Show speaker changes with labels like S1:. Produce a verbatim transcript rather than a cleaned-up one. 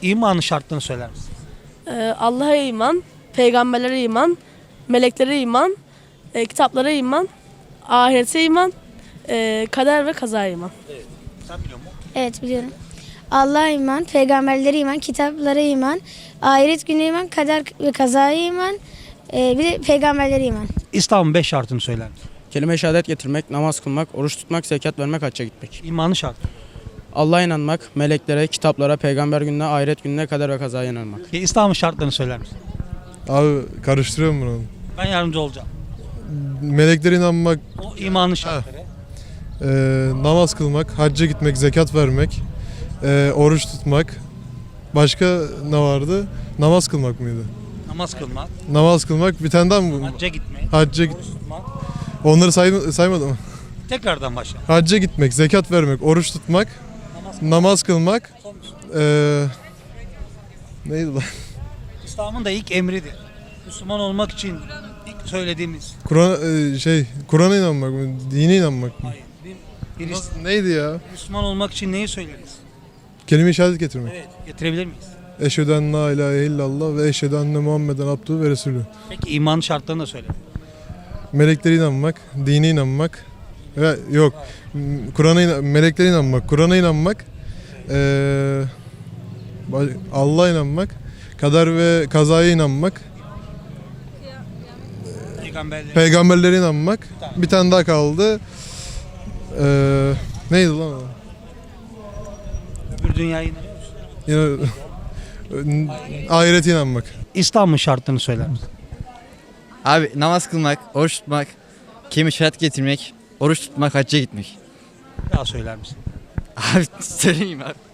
S1: İmanın şartlarını söyler misin?
S2: Ee, Allah'a iman, peygamberlere iman, meleklere iman, e, kitaplara iman, ahirete iman, e, kader ve kazaya iman.
S1: Sen biliyor musun?
S3: Evet biliyorum. Allah'a iman, peygamberlere iman, kitaplara iman, ahiret gününe iman, kader ve kazaya iman, e, bir de peygamberlere iman.
S1: İslam'ın beş şartını söyler misin?
S4: Kelime-i şehadet getirmek, namaz kılmak, oruç tutmak, zekat vermek, hacca gitmek.
S1: İmanın şartı.
S4: Allah'a inanmak, meleklere, kitaplara, peygamber gününe, ahiret gününe, kader ve kazaya inanmak.
S1: Peki İslam'ın şartlarını söyler misin?
S5: Abi karıştırıyorum bunu.
S1: Ben yardımcı olacağım.
S5: Meleklere inanmak,
S1: O imanın şartları.
S5: e, namaz kılmak, hacca gitmek, zekat vermek, e, oruç tutmak. Başka ne vardı? Namaz kılmak mıydı?
S1: Namaz kılmak,
S5: Namaz kılmak bir tane daha mı?
S1: hacca gitmek,
S5: Hacca git.
S1: oruç tutmak.
S5: Onları say saymadım mı?
S1: Tekrardan başla.
S5: Hacca gitmek, zekat vermek, oruç tutmak,
S1: Namaz
S5: namaz kılmak.
S1: Son bir soru.
S5: E, neydi lan?
S1: İslam'ın da ilk emridir. Müslüman olmak için ilk söylediğimiz.
S5: Kur'an e, şey Kur'an'a inanmak mı? Dine inanmak mı?
S1: Hayır. Bir, birisi,
S5: Nasıl- Neydi ya?
S1: Müslüman olmak için neyi söyleriz?
S5: Kelime-i şehadet getirmek.
S1: Evet. Getirebilir miyiz?
S5: Eşhedü en la ilahe illallah ve eşhedü enne Muhammeden abduhu ve resulü.
S1: Peki imanın şartlarını da söyle.
S5: Meleklere inanmak, dine inanmak. Ve yok. m- Kur'an'a inan- meleklere inanmak, Kur'an'a inanmak. eee, ba- Allah'a inanmak, kader ve kazaya inanmak,
S1: Peygamberlerin.
S5: peygamberlere inanmak. Bir tane daha kaldı. Eee, neydi lan o?
S1: Öbür dünyaya inanıyor musun?
S5: Yine ahirete inanmak.
S1: İslam'ın şartlarını söyler misin?
S6: Abi namaz kılmak, oruç tutmak, kelime-i şehadet getirmek, oruç tutmak, hacca gitmek.
S1: Bir daha söyler misin?
S6: Abi söyleyeyim abi.